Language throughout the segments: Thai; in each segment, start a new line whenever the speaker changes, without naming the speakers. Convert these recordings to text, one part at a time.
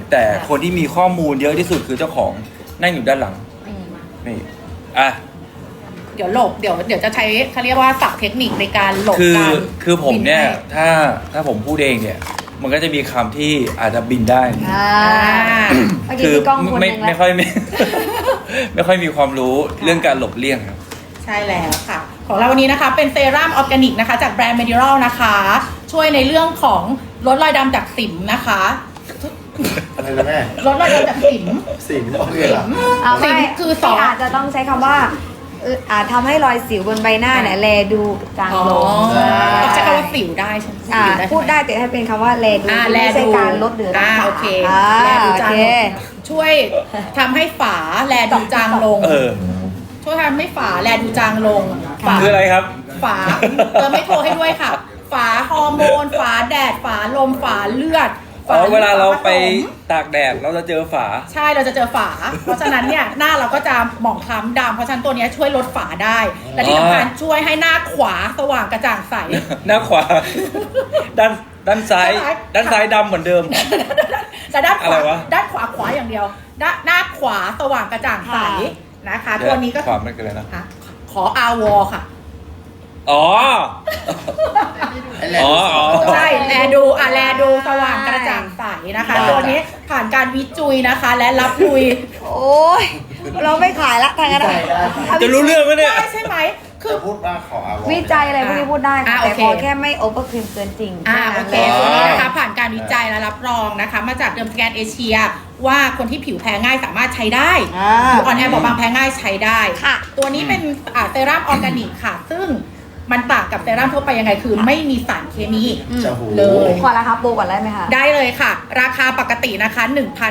แต่คนที่มีข้อมูลเยอะที่สุดคือเจ้าของนั่งอยู่ด้านหลังนี่อ่ะ
เดี๋ยวหลบเดี๋ยวจะใช้เขาเรียกว่าศัพท์เทคนิคในการหลบ
คือผมเนี่ย
บิให้
ถ้าผมพูดเองเนี่ย มันก็จะมีคำที่อาจจะบินได้
เมื่อกี้
คือ
มีกล้องคนห
ไม่
นึ่ง
ไม่
แล้ว
ค่อยไม่ ไม่ค่อยมีความรู้เรื่องการหลบเลี่ยงครับ
ใช่แล้วค่ะ ของเราวันนี้นะคะเป็นเซรั่มออร์แกนิกนะคะจากแบรนด์ Mediral นะคะ ช่วยในเรื่องของลดรอยดำจากสิวนะคะ
อะไรนะแม่
ลดรอยดำจากสิว
สิงโอเคเหรอ
เอาไม่
สิ่งคือสอง
อาจจะต้องใช้คำว่าทำให้รอยสิวบนใบหน้าเนี่ยแลดูจางลง
ใช้คำว่าสิวได้ใช่ไหม
พูดได้แต่ให้เป็นคำว่าแลดู
แล
ไม่ใช่
ดู
การลดหรือรักษา
โอเค
แล
แล
ดู
ดู
จา
จาง ง
ลง
ช่วยทำให้ฝาแลดูจางลง ช่วยทำให้ฝาแลดูจางลงฝา
คืออะไรครับ
ฝาไม่โทรให้ด้วยค่ะ ฝาฮอร์โมน ฝาแดด ฝาลม ฝาเลือด
อ๋อเวลาเราไป
ฝผสม
ตากแดดเราจะเจอฝา
ใช่เราจะเจอฝา เพราะฉะนั้นเนี่ยหน้าเราก็จะหมองคล้ำดำเพราะฉะนั้นตัวเนี้ยช่วยลดฝาได้ และที่สำคัญช่วยให้หน้าขวาสว่างกระจ่างใส
หน้าขวา ด้านซ้าย
ซ้าย
ด้านซ้ายดำเหมือนเดิม
แต่ด้านข
อะไร
วาว
ะ
ด้านขวาอย่างเดียวหน้าขวาสว่างกระจ่างใสนะคะ ตัวนี้ก็
ความไม่เกินเลยนะ
ค่ะขออาวอค่ะ
อ๋อ
ไอ้แหละ
ใช่แลดูสว่างกระจ่างใสนะคะ ตัวนี้ผ่านการวิจุยนะคะ และรับลุย
โอ้ยเราไม่ขายละทางนั้นอะ
จะรู้เรื่องไหมเนี่ย
ได้ใช่ไหมคือ
จะพูดว่าขออาวอ
วิจัยอะไรพวกนี้พูดได้ค่ะ
โอ
แต่
เค
ขอแค่ไม่โอเวอร์ครีมเกินจริง
โอเค
แ
ตัวนี้นะคะผ่านการวิจัยและรับรองนะคะ มาจากเดิมสแกนเอเชียว่าคนที่ผิวแพ้ง่ายสามารถใช้ได้ผิวอ่อนแอบอบบางแพ้ง่ายใช้ได้
ค่ะ
ตัวนี้เป็นเซรั่มออร์แกนิกค่ะ ซึ่งมันต่างกับเซรั่มทั่วไปยังไงคือไม่มีสารเคมี
จะหู
เลย
ขอราคาโปรก่อนได้ไหมคะ
ได้เลยค่ะ ราคาปกตินะคะ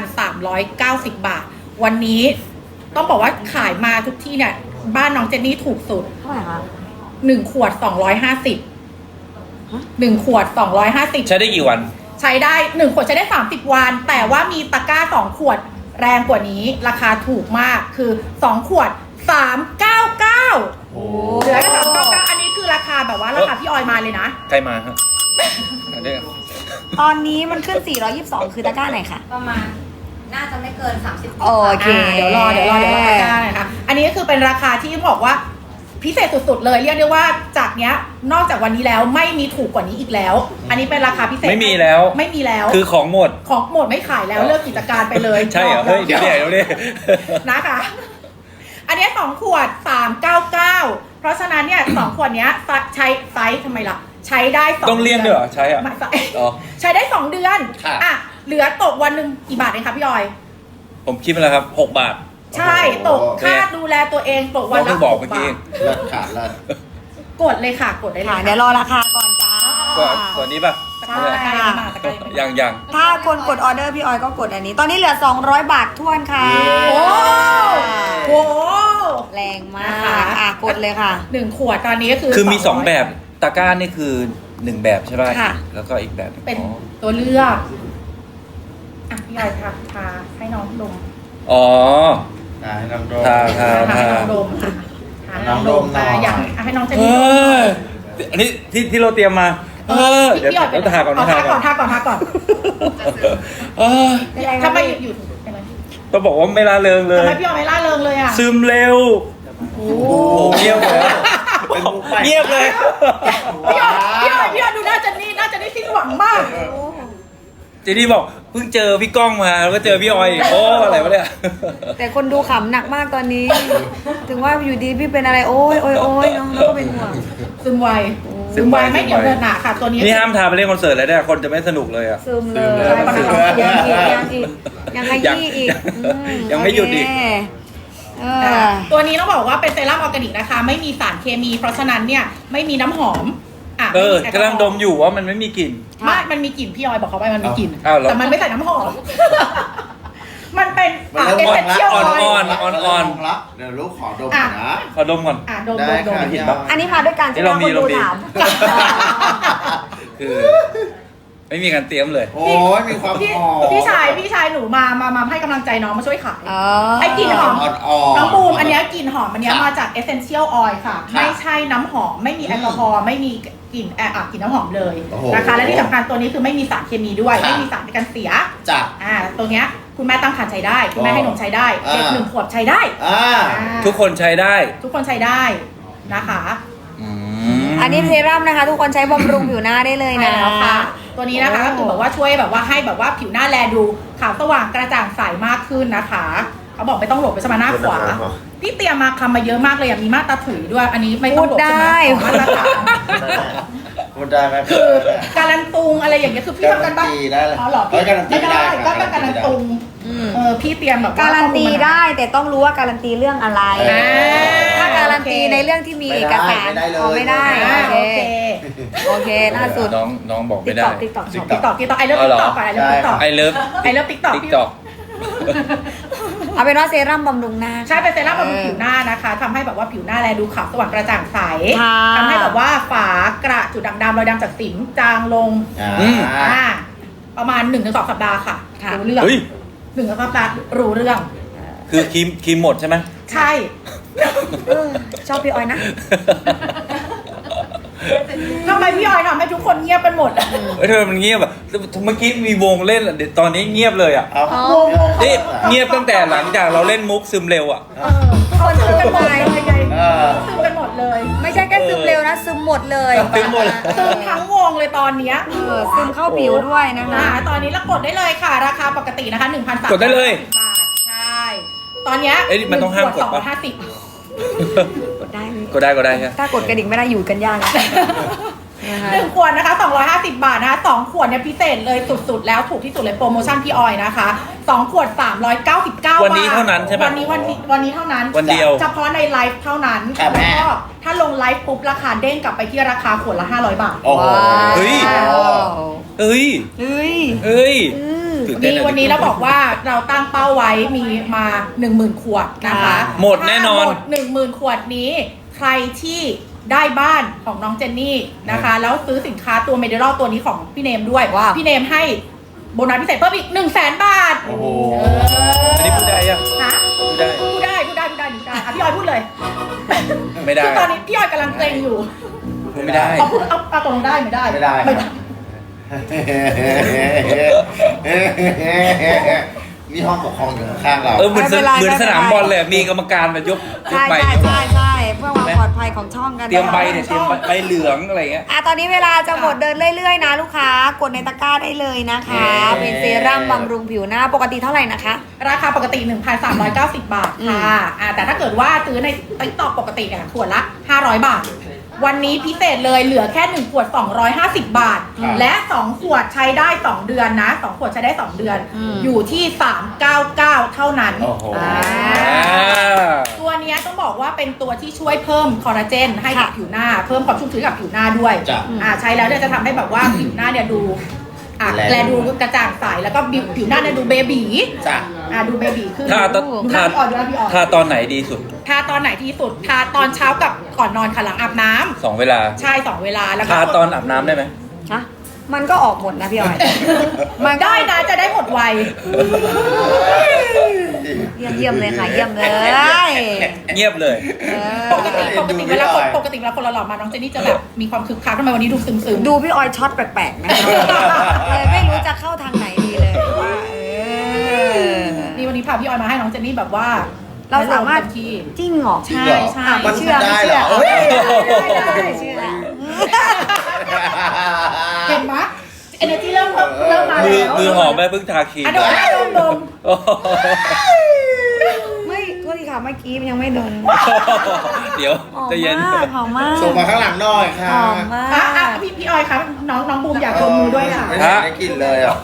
1,390 บาท วันนี้ต้องบอกว่าขายมาทุกที่เนี่ยบ้านน้องเจนนี่ถูกสุด
เท่าไหร่คะ
1 ขวด 250 1 ขวด 250
ใช้ได้กี่วัน
ใช้ได้1ขวดใช้ได้30 วัน แต่ว่ามีตะกร้า2ขวดแรงกว่านี้ราคาถูกมากคือ2ขวด399
โอ้
เหลือแค่399อันนี้คือราคาแบบว่าราคาพี่ออยมาเลยนะ
ใครมาครับอันนี้
ตอนนี้มันขึ้น 422 คือตะกร้าไหนคะ
ประมาณน่าจะไม่เกิน 30
โอเค
เดี๋ยวรอตะกร้าหน่อยค่ะอันนี้ก็คือเป็นราคาที่บอกว่าพิเศษสุดๆเลยเรียกได้ว่าจากเนี้ยนอกจากวันนี้แล้วไม่มีถูกกว่านี้อีกแล้ว อันนี้เป็นราคาพิเศษ
ไม่มีแล้ว
ไม่มีแล้ว
คือของหมด
ของหมดไม่ขายแล้วเลิกกิจการไปเลย
ใช่เหรอ เฮ้ย เดี๋ยวเนี่ย
นะคะ อันเนี้ย2ขวด399เพราะฉะนั้นเนี่ย2ขวดเนี้ยใช้ไซส์ทำไมล่ะใช้ได้2
ต้องเลี่ยงด้วยเหรอ ใช้อ่ะ
ไม่ใช่
อ๋อ
ใช้ได้2 เดือน
ค่ะ
อ่ะเหลือตกวันหนึ่งกี่บาทเองคะพี่ออย
ผมคิดมาแล้วครับ 6 บาท
ใช่ตกค่าดูแลตัวเองตกวัน
เราเพิ่
ละ
งบอก
6
เมื่อกี้
บาท
เลิศค่ะเลิศ
กดเลยค่ะกดได้เลย
ค่ะ
ค่ะ
เดี๋ยวรอราคาก่อนจ้า
ตัวนี้ป่ะ
ใช่ตะกร้ายังไม่มาตะกร้ายังไม่มา
ยัง
ถ้าคนกดออเดอร์พี่ออยก็กดอันนี้ ตอนนี้เหลือ 200 บาททวนค่ะ
โอ้โห
แรงมา
นะคะ
กกดเลยค่ะ
1 ขวดตอนนี้ก็คือ
คือมี
200
2 แบบ ตะกร้านี่คือ 1 แบบใช่ป่ะ
ค่ะ
แล้วก็อีกแบบหนึ่ง
เป็น
อ๋อ
ตัวเลือกอ่ะพี่ออยทาให้น้องดม
อ๋อ
ได้น้องโด
ทา
ให้น้องดมค่ะทาให้น้องดมมาอยากให้น้องเจนนี่ดม
อันนี้ที่เราเตรียมมา เดี๋ยว
พี่ออย
เราทาก่อน
ทาก่อนทาก่อน
เออ
ทำไมอยู่เป็นไร
ต้องบอกว่าไม่ละเริงเลย
ทำไมพี่ออยไม่ล่าเริงเลยอ่ะ
ซึมเร็ว
โอ้
โอ้เงียบเลย
เป็นมุกใหม่
เงียบเลย
พี่ออยดูน่าจะนี่สิ้นหวังมาก
เจนี่บอกเพิ่งเจอพี่ก้องมาแล้วก็เจอพี่ออยอีกโอ้อะไรวะเนี่ย
แต่คนดูขำหนักมากตอนนี้ ถึงว่าอยู่ดีพี่เป็นอะไรโอ้ยน้องแล้วก็เป็นห่วง
ซึมไวไม่เหนียวเดินหนาค่ะ ตัวนี้
นี่ห้ามทาไปเล่นคอนเสิร์ตเลยเนี่ยคนจะไม่สนุกเลยอ่ะ
ซึมเลย
ซึมเลย
ยังขยี้อีก
ยังไม่หยุดอีก
เออ
ตัวนี้ต้องบอกว่าเป็นเซรั่มออร์แกนิกนะคะ ไม่มีสารเคมี เพราะฉะนั้นเนี่ยไม่มีน้ำหอม
กำลังดมอยู่ว่ามันไม่มีกลิ่น
ไม่มันมีกลิ่นพี่ออยบอกเขาไปมันมีกลิ่น
อ้าวเหรอ
แต่มันไม่ใส่น้ำหอม มันเป็น
มัน
เอ
เริ่ม
เซนเชียล
อ่
อ
อน
อย
ละเดี๋ยวลูกขอดมหน่อยนะ
ขอดมก่อน
ดม
ได้ค่ะ
เห็นปะ
อันนี้มาด้วยกันใช่ไหม
เรามี
คนดู
เรามี
ถาม
คือ ไม่มีการเตรียมเลย
โอ้ยมีความ
พี่
หอม
พี่ชายหนูมามาให้กำลังใจน้องมาช่วยขาย
อ๋อ
ไอ้กลิ่นหอม
อ่อนๆ
น้องบูมอันเนี้ยกลิ่นหอมอันเนี้ย
ครับ
มาจาก essential oil ค่ะ
ครับ
ไม่ใช่น้ำหอมไม่มีแอลกอฮอล์ไม่มีกลิ่นกลิ่นน้ำหอมเลย
โอ้โห
นะคะและที่สำคัญตัวนี้คือไม่มีสารเคมีด้วย
ครับ
ไม่มีสารในการเสีย
จ้ะ
ตัวเนี้ยคุณแม่ตั้งครรภ์ใช้ได้ คุณแม่ให้นมใช้ได้
อ่า
เด็ก1 ขวบใช้ได้
อ่า
ทุกคนใช้ได้
ทุกคนใช้ได้นะคะ
อืม
อันนี้เซรั่มนะคะ ทุกคนใช้บำรุงผิวหน้าได้เลย
ใช่
นะ
แล้วค่ะ ตัวนี้นะคะ
โอ้
ก็คือแบบว่าช่วยแบบว่าให้แบบว่าผิวหน้าแลดูขาวสว่างกระจ่างใสมากขึ้นนะคะเขาบอกไม่ต้องหลบไปสมาหน้าขวา พี่เตรียมมาคำมาเยอะมากเลยมีมาตราถุยด้วย อันนี้ไม่ต้องหลบใช่ไหมขอมาตรฐาน
พูดได้ไหม
คือการันตุงอะไรอย่างเงี้ยคือพี่ทำกันบ้าง
การันตีได้เลย
อ๋อเหรอ
เอ้ยการันตี
ไม่ได้
ไม่ได้
ก็เป็นการันตุง
อืม
พี่เตรียมแบบว่
การันตีได้แต่ต้องรู้ว่าการันตีเรื่องอะไร
อ่า
ถ้าการันตีในเรื่องที่มีเอกสาร
ไม่ได้เลย
อ๋อไม่ได้
โอเค
โอเคล่าสุด
น้องบอก
ติ๊
ไม่
ก
ได้
ต็อกติ๊กต็อก
ติ๊กต็อกไอเลิฟ
เอา
ติ๊
เหรอ
กต็อกก่อนไอเลิฟติ๊กต็อก
ไอเลิฟ
ไอเลิฟติ๊กต็อก
ติ๊กต็อก
เอาเป็นว่าเซรั่มบำรุงหน้า
ใช่เป็นเซรั่มบำรุงผิวหน้านะคะทำให้แบบว่าผิวหน้าแลดูขาวสว่างกระจ่างใส
ค่ะ
ทำให้แบบว่าฝากระจุดด่างดำรอยดำจากสิวจางลง
อืม
ประมาณ 1-2 สัปดาห์ค่ะ
ค่ะ
รู้เรื่อง
เฮ้ย
1-2 สัปดาห์รู้เรื่อง
คือครีมหมดใช่ไหม
ใช่
เออชอบพี่ออยนะ
ทำไมพี่ออยทำให้ทุกคนเงียบกันหมดอะ
เฮ้ยทำไมมันเงียบอ่ะเมื่อกี้มีวงเล่นอะเดี๋ยวตอนนี้เงียบเลยอ่ะ
เอา
อ๋อ
นี่เงียบตั้งแต่หลังจากเราเล่นมุกซึมเร็วอ่ะ
ทุกคนซึมกันหมด
เลยไง
เออ
ซึมกันหมดเลย
ไม่ใช่แค่ซึมเร็วนะซึมหมดเลย
ซึมหมด
ซึมทั้งวงเลยตอนเนี้ย
ซึมเข้าผิวด้วยนะคะ
ตอนนี้เรากดได้เลยค่ะ ราคาปกตินะคะ 1,300
กดได้เลย
บาท ใช่ ตอนเนี้ย
เอ้ยมันต้องห้ามกดปะ
250
กดได้ไหม
ก็ได้ใช่
ถ้ากดกระดิ่งไม่ได้อยู่กันยากนะนะคะ
1 ขวดนะคะ250 บาทนะคะ2 ขวดเนี่ยพิเศษเลยสุดๆ แล้วถูกที่สุดเลยโปรโมชั่นพี่ออยนะคะ2 ขวด 399 บาท
วันนี้เท่านั้นใช่ไหม
วันนี้เท่านั้น
วันเดียว
เฉพาะในไลฟ์เท่านั้น
ครับ
แล้วก็ถ้าลงไลฟ์ปุ๊บราคาเด้งกลับไปที่ราคาขวดละ500 บาท
โอ้โห
เฮ้ย เฮ้ย
เฮ้ย
เฮ้ย
อืม
ตื่นเต้นอะ
วันนี้เราบอกว่าเราตั้งเป้าไว้มีมา 10,000 ขวดนะคะ
หมดแน่นอน
ถ้าหมด 10,000 ขวดนี้ ใครที่ได้บ้านของน้องเจนนี่นะคะ แล้วซื้อสินค้าตัวเมดิลตัวนี้ของพี่เนมด้วย
ว้าว
พี่เนมให้โบนัสพิเศษเพิ่มอีก 100,000 บาท
โอ้โห
อันนี้พูดได้ยัง
นะ
พูดได้
พูดได้อ่ะพี่ออยพูดเลย
ไม่ได้
คือตอนนี้พี่ออยกำลังเกรงอยู่
พูดไม่ได้
เอาตรงได้ไม่ได้
ไม่ได้
ไม่ได้
นี่ห้องปกครองอยู่ข้างๆเรา
เหมือน
ไม่เป็นไร
เหมือนสนาม
ไม่เป็นไร
บอลเลยมีกรรมการมายก
ใช่
ใบ
ใช่เพื่อความปลอดภัยของช่องกัน
เตรียมใบเนี่ยเตรียมใบเหลืองอะไรเงี้ย
ตอนนี้เวลาจะหมดเดินเรื่อยๆนะลูกค้ากดในตะกร้าได้เลยนะคะ เป็นเซรั่มบำรุงผิวหน้าปกติเท่าไหร่นะคะ
ราคาปกติ 1,390 บาทค่ะแต่ถ้าเกิดว่าซื้อในติ๊กต็อกปกติเนี่ยขวดละ 500 บาท วันนี้พิเศษเลยเหลือแค่ 1 ขวด 250 บาท
ครับ
และ 2 ขวดใช้ได้ 2 เดือนนะ 2 ขวดใช้ได้ 2 เดือน
อืม
อยู่ที่ 399 เท่านั้น
โอ้โห
อ่า
ตัวเนี้ยต้องบอกว่าเป็นตัวที่ช่วยเพิ่มคอลลาเจนให้กับ
ค่ะ
ผิวหน้า เพิ่มความชุ่มชื้นกับผิวหน้าด้วย
จ้ะ
ใช้แล้วเนี่ยจะทำให้แบบว่าผิวหน้าเนี่ยดูแลดูกระจ่างใสแล้วก็ผิวหน้าเนี่ยดูเบบี
จ้ะ
ดูเบบีขึ้น
ถ้าตอน
ดูหน้าพี่ออยดูหน้าพี่ออย
ถ้าตอนไหนดีสุด
ทาตอนไหนที่สุดทาตอนเช้ากับก่อนนอนค่ะหลังอาบน้ำ
2 เวลา
ใช่2 เวลาแล้วก็
ทาตอนอาบน้ำได้ไหม
ฮะมันก็ออกหมดนะพี่ออย
มันได้นะจะได้หมดไว
เยี่ยมเลยค่ะเยี่ยมเลย
เงียบเลย
เออ
ปกติเวลาคนหล่อๆมาน้องเจนนี่จะแบบมีความคึกคักทำไมวันนี้ดูซึมๆ
ดูพี่ออยช็อตแปลกๆนะคะเลยไม่รู้จะเข้าทางไหนดีเลยว่า
นี่วันนี้พาพี่ออยมาให้น้องเจนนี่แบบว่า
เราสามารถ
เต็ที่
จริงเหรอ
จริงเหรอ
ใช่
มัน
เชื่อ
ได้เหรอ
ไม่
เอ้ย
เชื่อได้เชื่อ
เห็นไหมเอเนอร์จีเริ่มมา
มือ
แล้ว
มือหอมแม่เพิ่งทาครีม
อ่ะดม
โอ้โห
ไม่โทษทีค่ะเมื่อกี้มันยังไม่โดน
เดี๋ยว
หอม
ใจะเย็น
มากหอมมาก
ส่งมาข้างหลังหน่อย
ห
ค่ะ
อมมา
อ่ะ
ก
พี่ออยครับน้องบูมอยากดมมือด้วยค่ะ
ไม่ได้ได้กลินเลยอ่ะ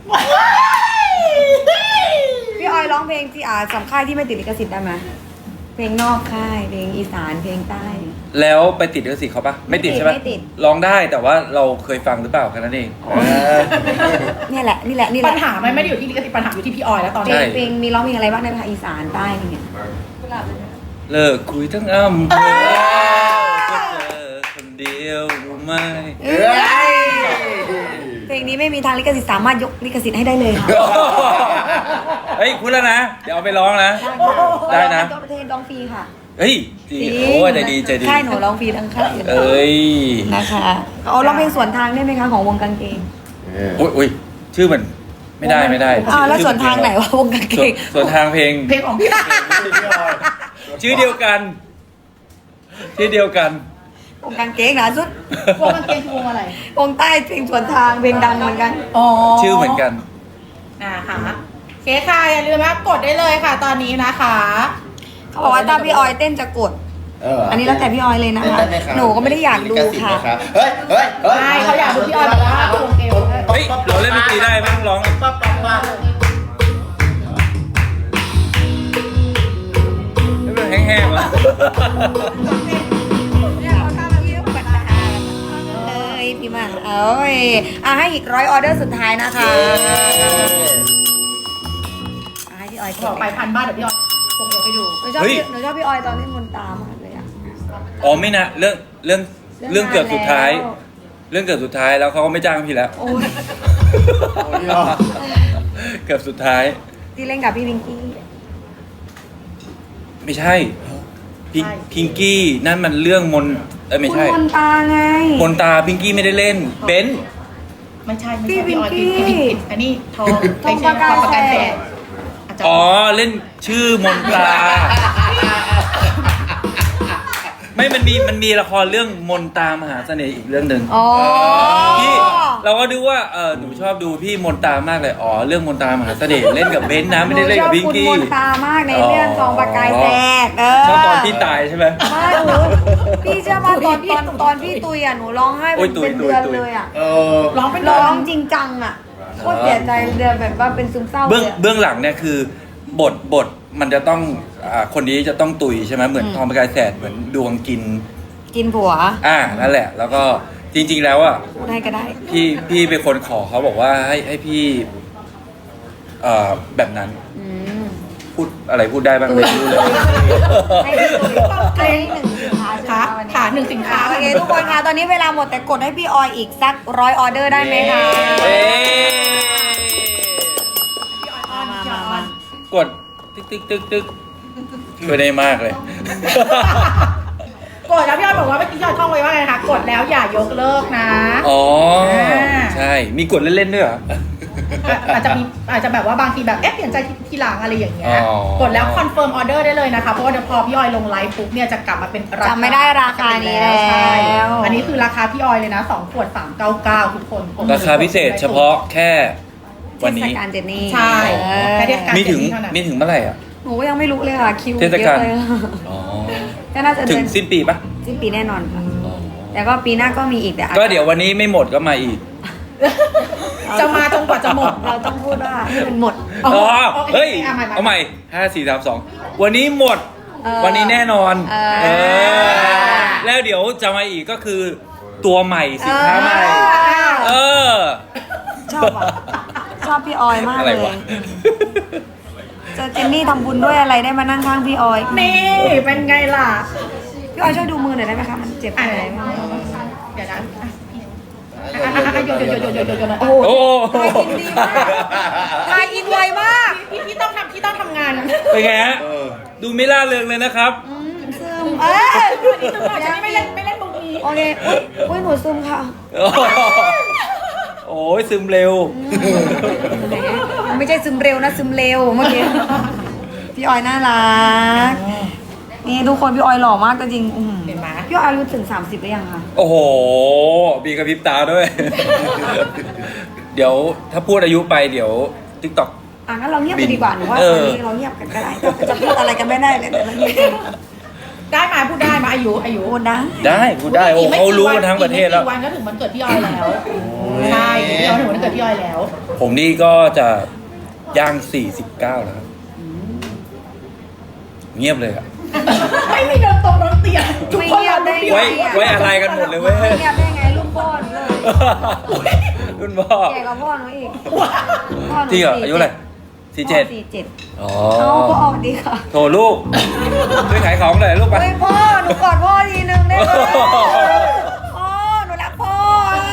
พี่ออยร้องเพลงที่สำค่ายที่ไม่ติดลิขสิทธิ์ได้ไหมเพลงนอกค่ายเพลงอีสานเพลงใต้
แล้วไปติดลิขสิทธิ์เขาปะไม่ติดใช่ปะ
ไม่ติด
ร้องได้แต่ว่าเราเคยฟังหรือเปล่าแค่นั้นเอง
เนี่ยแหละนี่แหละนี่แห
ปั
ละ
ญหาไม่ได้อยู่ที่ลิขสิทธิ์ปัญหาอยู่ที่พี่ออยแล้วตอน
เพล
นี้
งเพลงมีร้องเพลงอะไรบ้างในภาคอีสานใต้อะไรเงี้ย
เลิกคุยทั้งอำเภอก็เจอคนเดียวรู้ไหม
เอ้ย
เพลงนี้ไม่มีทางลิขสิทธิ์สามารถยกลิขสิทธิ์ให้ได้เลยค่ะ
เฮ้ยพูดแล้วนะ เดี๋ยวเอาไปร้องนะ ได้นะ
ตัวประเทศร้องฟรีค่ะ
เฮ้ยดีโอ้ยใจดีใจดี
ค่ายหนูร้องฟรีทั้งค่ายเลย
เอ้ย
นะคะเอาร้องเพลงสวนทางได้ไหมคะของวงกางเกง
อุ้ยชื่อมันไม่ได้
อ้าวแล้วสวนทางไหนวะวงกางเกง
ส่วนทางเพลง
เพลงของพี่
ชื่อเดียวกัน ชื่อเดียวกัน
วงกางเกงนะสุด
วงกางเกงคือวงอะไร
วงใต้เพลงสวนทางเพลงดังเหมือนกัน
อ๋อ
ชื่อเหมือนกัน
นะคะเคค่ะอย่าลืมนะกดได้เลยค่ะตอนนี้นะคะ
เขาบอกว่าถ้าพี่ออยเต้นจะกด อันนี้แล้วแต่พี่ออยเลยนะคะ หนูก็ไม่ได้อยากดูค่ะ
เฮ้ยเฮ้ยเฮ้ย
ใช่เขาอยากดูพี่ออยแบบว่าโอเค
เฮ้ยเราเล่นดนตรีได้ไม่ต้องร้อง
ปั๊บปั๊บปั๊บ
ไม่เป็นแห้งๆวะ
เอ้ยพี่มาเอ้ยให้อีก100 ออเดอร์สุดท้ายนะคะให้พี่ออย
บอกไปพันบ้านเดี๋ยวพี่ออยส่งเดี๋ยวไปดู
หนูชอบพี่ออยตอนเล่นมนตามากเลยอะ
อ๋อไม่นะเรื่องเกือบสุดท้าย เรื่องเกือบสุดท้ายแล้วเขาก็ไม่จ้างพี่แล้ว
โอ้ย
เกือบสุดท้าย
ที่เล่นกับพี่วิงกี้
ไม่ใช่พิงกี้นั่นมันเรื่องไม่ใช่
คุณมนตาไง
มนตาพิงกี้ไม่ได้เล่นเบนซ์
ไม่ใช่
พี่
พี่ออย
วิงกี้
พี่อันนี้ทอง
ทองประกายแสง
อ๋อเล่นชื่อมนตาไม่มันมีละครเรื่องมนตามหาเสน่ห์อีกเรื่องหนึ่ง
อ๋อ
พี่เราก็ดูว่าหนูชอบดูพี่มนตามากเลยอ๋อเรื่องมนตามหาเสน่ห์เล่นกับเบนซ์นะไม่ได้เล่นกับพิงกี้
หนูชอบคุณมนตามากในเรื่องทองประกายแสง
ชอบตอนพี่ตายใช่ไหม
ไม่หนูพี่เชื่อป่ะตอนพี่ตุยอ่ะหนูร้องไห้
โอ้ย
เป็น
ตุย
เดือน
ตุย
เลยอ่ะ
ร้องเป็น
ร้
ร้
อ
อง ง
จริงจังอ่ะโคตรเสียใจเดือนแบบว่าเป็นซึมเศร้าเลยอะ
เบื้องหลังเนี่ยคือบทมันจะต้องคนนี้จะต้องตุยใช่ไหมเหมือนทองประกายแสดเหมือนดวงกิน
กินผัว
นั่นแหละ แล้วก็จริงๆแล้วอ่ะ
พูดให้ก็ได้
พี่เป็นคนขอเขาบอกว่าให้พี่แบบนั้น
อืม
พูดอะไรพูดได้บ้างไม่รู้เลย
ให้พี่ตุยให้หนึ่งสินค้าใช่ไหม
ค่ะ
วันนี้
ค่ะหนึ่งสินค้า
โอเคทุกคนคะตอนนี้เวลาหมดแต่กดให้พี่ออยอีกสัก100 ออเดอร์ได้ไหมคะ
เอ๊ะ
มาก
ดตึกช่วยได้มากเลย
กดแล้วพี่ออยบอกว่าเมื่อกี้พี่ออยท่องไว้ว่าไงคะกดแล้วอย่ายกเลิกนะ
อ๋อใช่มีกดเล่นๆด้วยเหรอ
อาจจะแบบว่าบางทีแบบเปลี่ยนใจทีหลังอะไรอย่างเงี้ย
อ๋อ
กดแล้วคอนเฟิร์มออเดอร์ได้เลยนะคะเพราะว่าเดี๋ยวพอพี่ออยลงไลฟ์ปุ๊บเนี่ยจะกลับมาเป็นราคา
จำไม่ได้ราคานี้แล้ว
ใช่อันนี้คือราคาพี่ออยเลยนะ2 ขวด 399 ทุกคน
ราคาพิเศษเฉพาะแค่วัน
เทศ
นี้
กาลเจนนี่
ใช่แค่เทศกาล
มีถึง
เจนนี่เท่านั้น
มีถึงเมื่อไหร่อ่ะ
หนูก็ยังไม่รู้เลยค่ะคิว
เทศกาล
เยอะเลย
อ๋อ
ก็น่าจะ
ถึ
เดื
ง
อน
สิ้นปีปะ
สิ้นปีแน่นอนค่ะแต่ก็ปีหน้าก็มีอีกแต่อาจ
ก็เดี๋ยววันนี้ไม่หมดก็มาอีก
จะมาจนกว่าจะหมด
เราต้องพูดว่าให้มันหมด
อ๋อ
โอเค
เฮ้ย
เอาใหม่
เอาใหม่5 4 3 2วันนี้หมด วันนี้แน่นอน
เออ
แล้วเดี๋ยวจะมาอีกก็คือตัวใหม่สินค้าใหม่ เออ
ชอบอ่ะชอบพี่ออยมาก
อะไร
เล
วะ
ยเจอเจนนี่ทำบุญด้วยอะไรได้มานั่งข้างพี่ออย
นี่เป็นไงล่ะ
พี่ออยช่วยดูมือหน่อยได้ไหมคะมันเจ็บ
อ่ะ
อะไร
เดี๋ยว
ไหม
นะโยน
โอ้โห
โอ้
ทายอินไวมาก
พี่ต้องทำงาน
เป็นไงฮะ ดูไม่ล่าเริงเลยนะครับ
ซึม
วันนี้จังหวะฉันไม่เล่นมุกนี้
โอเคอุ้ยหนูซึมค่ะ
โอ้ยซึมเร็ว
ไม่ใช่ซึมเร็วนะซึมเร็วเมื่อกี้พี่ออยน่ารักนี่ทุกคนพี่ออยหล่อมากจริง
เห็นไหม
พี่ออยอายุถึง30หรือยังคะ
โอ้โหมีกระพริบตาด้วย เดี๋ยวถ้าพูดอายุไปเดี๋ยว TikTok
งั้นเราเงียบกันดีกว่าหนูว่า
เอ
ตอน
อ
นี้เราเงียบกันก็ได้จะพูดอะไรกันไม่ได้เลยแต่เราเงียบกัน
ได้มาพูดได้มาอายุ
พูดนะ
ได้พูดได้โอ้เขารู้กันทั้งประเทศแล้ว
อีกไม่กี่วันก็ถึงวันเกิดพี่ออยแล้วใช่พี่ออยถึงวันเกิดพี่ออยแล้ว
ผมนี่ก็จะย่าง49แล้วครับเงียบเลยอะ
ไม่มีเดินตรงรถเตียงทุก
ไม่
คน
เงียบได้
ไว้อะไรกันหมดเลยเว้ย
ไม่เงียบได้ไงรุ่นพ่อหนูเลย
รุ่นพ่อ
แก่กว่าพ่อหนูอีกพ่อหนู
จริงเหรออายุอะไร
47
อ๋อ
เอาพ่อสวัสดีค่ะ
โถลูกช่วยขายของหน่อยลูกไป
เฮ้ยพ่อหนูกอดพ่อทีนึงได้ไหมพ่อหนูรักพ่อ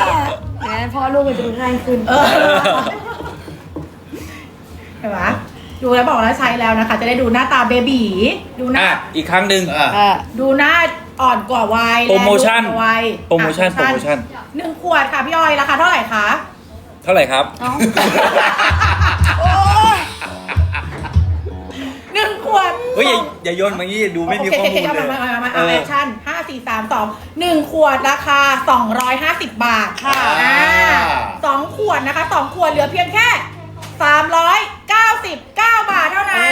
เนี่ยพ่อลูกมันจะดูง่ายขึ้น
เห็นไหมดูแล้วบอกแล้วใช้แล้วนะคะ จะได้ดูหน้าตาเบบีดูหน้า
อ่ะอีกครั้งหนึ่ง
ดูหน้าอ่อนกว่าวัย
โปรโมชั่น
และดูกว่าวัย
โปรโมชั่น
อ่ะ
โปรโมชั่น
1 ขวดค่ะพี่ออยราคาเท่าไหร่คะ
เท่าไหร่ครับ
โอ้ย
1 ขวด
เฮ้ยอย่าโยนมางี้ดูไม่มีข้อมูล
โอเค
เลย
มาแอคชั่น5 4 3 2 1 ขวดราคา 250 บาทค่ะ2 ขวดนะคะ2 ขวดเหลือเพียงแค่ 399 บาทเท่านั้น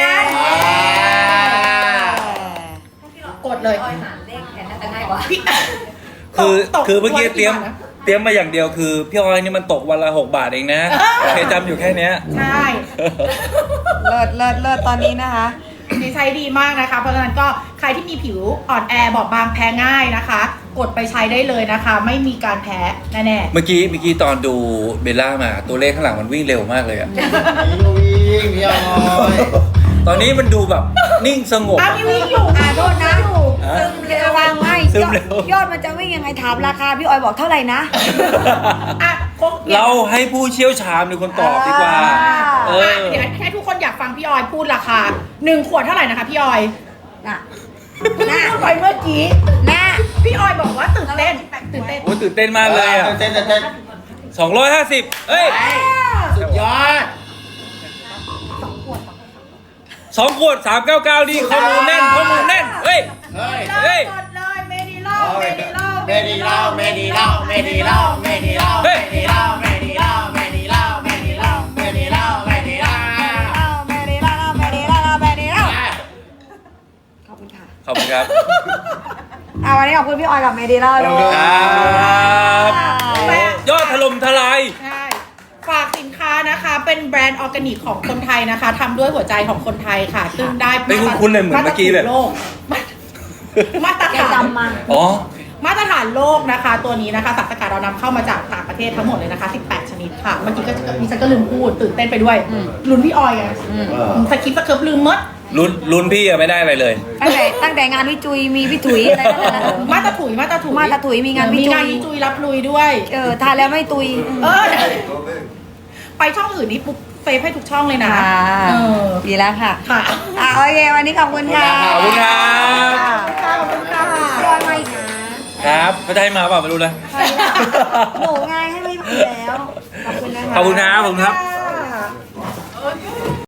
กดเลย
ออยหารเลขแทนน่าจะง่ายกว่า
พี่
คือเมื่อกี้
ต
เตรียมมาอย่างเดียวคือพี่ออยนี่มันตกวันละ6 บาทเองนะโอเคจำอยู่แค่เนี้ย
ใช่
เลิศตอนนี้นะคะ
ดีใช้ดีมากนะคะ เพราะฉะนั้นก็ใครที่มีผิวอ่อนแอบอบบางแพ้ง่ายนะคะ กดไปใช้ได้เลยนะคะ ไม่มีการแพ้แน่
เมื่อกี้ตอนดูเบลล่ามาตัวเลขข้างหลังมันวิ่งเร็วมากเลยอะ
วิ่งพี่ออย
ตอนนี้มันดูแบบนิ่งสงบ
ๆอ้าวพี่วิ่งอยู่
โทษนะ
ซึมเร็ว
วางไม่
ซึมเร็ว
ยอดมันจะวิ่งยังไงถามราคาพี่ออยบอกเท่าไหร่นะ
อ่ะคง
เราให้ผู้เชี่ยวชาญเป็นคนตอบดีกว่า เออ
เดี๋ยวให้ทุกคนอยากฟังพี่ออยพูดราคา1 ขวดเท่าไหร่นะคะพี่ออย
น่ะ
พูดไปเมื่อกี้
น่ะ
พี่ออยบอกว่าตื่นเต้น
โอ้ยตื่นเต้นมากเลยอ่ะ
เต้นเต้น
250เอ้ย
สุดยอด
2 ขวด 399นี่ข้อมูลแน่นเฮ้ย
เฮ้ย
เฮ้ย
กดเลยเมดิโล
เมดีเล่าเมดีเล่าเมดีเล่าเมดีเล่าเมดีเล่าเมดีเล่าเมดีเล่าเมดีเล่าเมดีเล่าเมดีเล่าเมดีเล่า
ขอบคุณค่ะ
ขอบคุณครับ
วันนี้ขอบคุณพี่ออยกับเมดีล่าด้วย
ครับยอดถล่มทลาย
ใช่ฝากสินค้านะคะ เป็นแบรนด์ออร์แกนิกของคนไทยนะคะทำด้วยหัวใจของคนไทยค่ะ ซึ่งได้
ไม่คุ้นๆเลยเหมือนเมื่อกี้แบบ
มาตร
แก
ฐาน
จำมา
อ๋อ
มาตรฐานโลกนะคะ ตัวนี้นะคะสารสกัดเรานำเข้ามาจากต่างประเทศทั้งหมดเลยนะคะ18 ชนิดค่ะเมื่อกี้ก็ดิฉันก็ลืมพูดตื่นเต้นไปด้วยลุ้นพี่ออยไงสคริปต์สเคิร์ฟลืมหมด
ลุ้นพี่อะไม่ได้อะไรเลย
ตั้งแต่งานวิจุยมีพี่ถุยอะไรนั่นแหละ
มาตรถุย
มาตรถุยมีงานวิจุย
มีงานวิจุยรับลุยด้วย
ทานแล้วไม่ตุย
ไปช่องอื่นนี่ปุ๊บเซฟให้ทุกช่องเลยนะเออ
ดีแล้วค่ะ
ค่ะ
โอเควันนี้ขอบคุณค่ะ
ขอบคุณครับ
ขอบคุณค่ะ
พี่ออยมาอีกนะครับ
เขาจะให้มาเปล่าไม่รู้นะ
หนูไงให้ไม่มาแล้ว ขอบคุณนะคะ
ขอบคุณครับ